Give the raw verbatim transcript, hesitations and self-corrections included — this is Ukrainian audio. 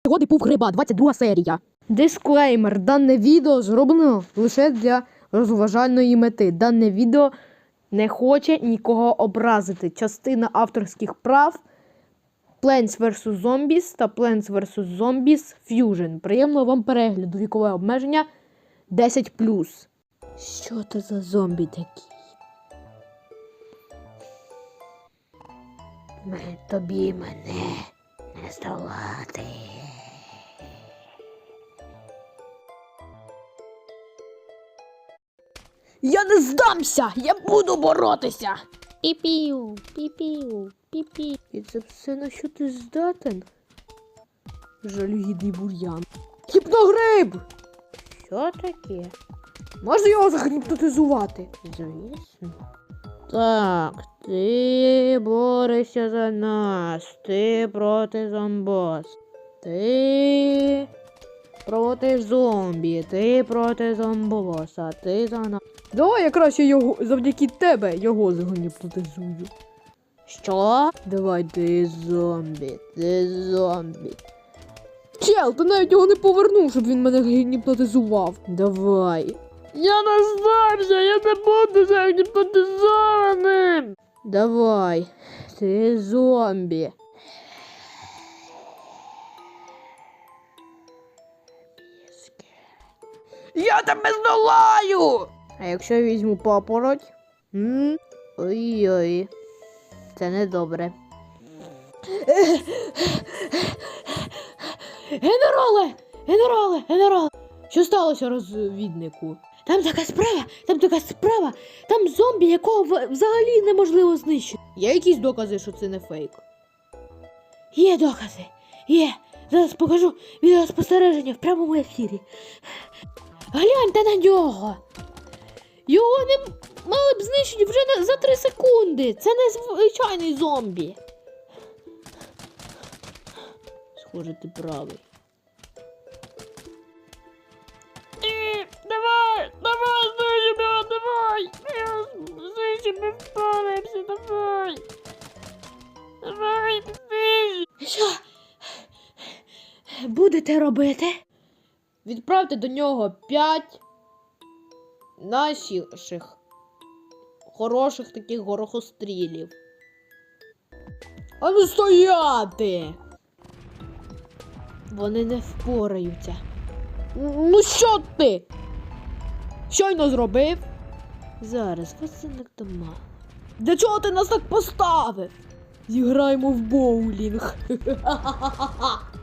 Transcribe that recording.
Пригоди Пув Гриба, двадцять друга серія. Дисклеймер. Дане відео зроблено лише для розважальної мети. Дане відео не хоче нікого образити. Частина авторських прав Plants версус. Zombies та Plants версус. Zombies Fusion. Приємного вам перегляду. Вікове обмеження десять плюс. Що це за зомбі такі? Ми, тобі мене не здолати. Я не здамся! Я буду боротися! Піпів, піпів, піпів. І це все, на що ти здатен? Жалюгідний бур'ян. Гіпногриб! Що таке? Можна його загіпнотизувати? Звісно. Так, ти борешся за нас. Ти проти зомбос. Ти проти зомбі. Ти проти зомбоса. Ти за нас. Давай я краще його, завдяки тебе його загіпнотизую. Що? Давай ти зомбі. Ти зомбі. Чел, ти навіть його не повернув, щоб він мене гіпнотизував. Давай. Я не здамся, я не буду загіпнотизованим. Давай, ти зомбі. Я тебе здолаю! А якщо я візьму папороть? М? Ой-ой. Це недобре. Генерале! Генерале! Генерале! Що сталося, розвіднику? Там така справа, там така справа, там зомбі, якого взагалі неможливо знищити. Є якісь докази, що це не фейк? Є докази, є. Зараз покажу відеоспостереження в прямому ефірі. Гляньте на нього. Його не мали б знищити вже за три секунди. Це не звичайний зомбі. Схоже, ти правий. Давай, давай, знищимо його, давай! Знищимо, впораємося, давай! Давай, знищимо! Що? Будете робити? Відправте до нього п'ять наших хороших таких горохострілів. А ну стояти! Вони не впораються. Ну що ти? Щойно зробив? Зараз, вас це не дома. Для чого ти нас так поставив? Зіграємо в боулінг.